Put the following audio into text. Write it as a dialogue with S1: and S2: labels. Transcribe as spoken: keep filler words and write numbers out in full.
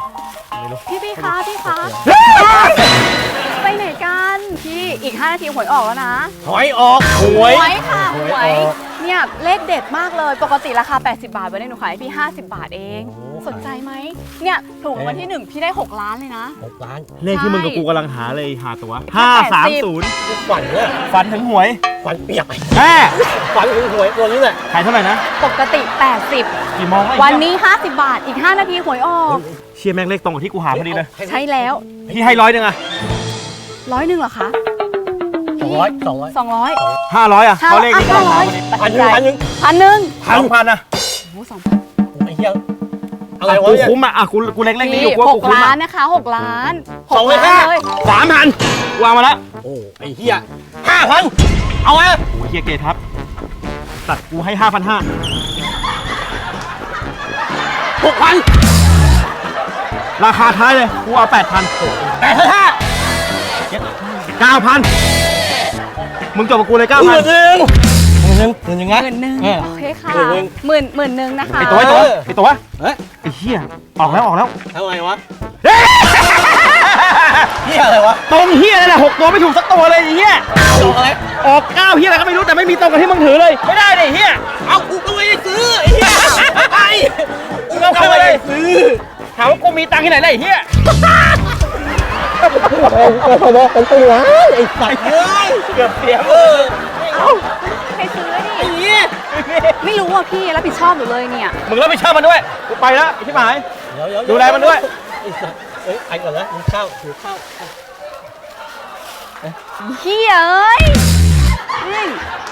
S1: ะไม่รู้
S2: พี่พี่คะพี่คะไปไหนกันพี่อีกห้านาทีหวยออกแล้วนะ
S1: หอยออกหวย
S2: หวยค่ะห
S1: ห
S2: ว
S1: วย
S2: ย
S1: ออก
S2: เนี่ยเลขเด็ดมากเลยปกติราคาแปดสิบบาทวันนี้หนูขายให้พี่ห้าสิบบาทเอง
S1: โอ้
S2: สนใจไหมเนี่ยถูกรางวันที่หนึ่งพี่ได้หกล้านเลยนะ
S1: หกล้าน
S3: เลขที่มึงกับกูกำลังหาเลยหาตัวห้าสามศูนย์
S1: ฝันเนี่ย
S3: ฝันถึงหวย
S1: ฝันเปียก
S3: แม่
S1: ฝันถึงหวยตัวนี้แหละ
S3: ขายเท่าไหร่นะ
S2: ปกติแปดสิบ
S3: กี่โมงแล้ว
S2: วันนี้ห้าสิบบาทอีกห้านาทีหวยออก
S3: เชียร์แม่งเลขตรงกับที่กูหาพอดีเลย
S2: ใช่แล้ว
S3: พี่ให้ร้อยหนึ่งอะ
S2: ร้อยหนึ่งเหรอคะ
S1: สองร้อยสองร้อย
S2: สองร้อย
S3: ห้าร้อยอะ
S2: ห้า
S3: เขาเลขที่กู
S2: ห้า
S3: หา
S2: ร้อย
S3: พอดี
S1: พันหนึ่งพันหนึ่ง
S2: พันหนึ่ง
S3: สองพันอะ
S2: โอ้โหสองพัน
S1: ไอ้เหี้ยอะไร
S3: อ่ะ
S1: วะ
S3: กู
S1: เนี่ย
S3: คุ้มอะอ่ะกูกูเล็กเลขนี้อยู่
S2: พี่
S3: กูว่า
S2: ห
S3: กู
S2: ก
S3: คุ้ม
S2: ล้า
S3: อะ
S2: นนะคะหกล้าน
S1: สองร้อย
S2: หก
S1: ห้า
S2: ล้านเลย
S3: สามพันวางมาแล้ว
S1: โอ้ไอ้เหี้ยห้าพันเอาไว้
S3: โอ้ยเฮียเกทับตัดกูให้ห้าพันห้า
S1: หกพัน
S3: ราคาท้ายเลยกูเอาแปดพัน
S1: แปดพันห้า
S3: เก้าพันมึงจบกับกูเลยเก้า
S1: ห
S3: พั
S1: มื่
S3: น
S1: นหนึ่งหมื่นหนึ่งหมื่นหนึ่ง
S2: ห
S1: นะ
S2: มื่นหนึ่ง
S1: เออ
S2: โอเคค่ะ
S1: หมื่นหนึ่ง
S2: หมื่นหมื่นหนึ่งนะคะ
S3: ไอตัวไอตัว
S1: เออ
S3: ไอตัว
S1: เฮ้ย
S3: ไอเฮียออกแล้วออกแล้ว
S1: ทำไมวะเหี้ยอะไรวะ
S3: ตรงเฮียนั่นแหละหกตัวไม่ถูกสักตัวเลยไอ้เฮีย
S1: ตรงอะไร
S3: ออกเก้าเฮียอะไรก็ไม่รู้แต่ไม่มีตรงกับที่มึงถือเลยไม่ได้เลยเฮีย
S1: เอากูก็ไม่ได้ซื้อไอ้เหี้ยไอ้กูก็ไม่ได้ซื้อ
S3: ถามว่ากูมีตังค์ที่ไหนเลยไอ้เฮีย
S1: เป็นตัวไอ้สัตว์เอ้ย
S3: เกือบเสีย
S1: เออ
S2: เอ้าใครซื้อดิ
S1: ไอ้เหี้ย
S2: ไม่รู้อ่ะพี่รับผิดชอบอยู่เลยเนี่ย
S3: มึงรับผิดชอบมันด้วยกูไปแล้วไอ้ที่หมาย
S1: เดี๋ยวเดี๋ยว
S3: ดูแลมันด้วย
S1: ไอ้สัตว์เอ้ยไปก่อนนะมึงข้าวถือข้าว
S2: เฮียเอ้ยเฮ้ย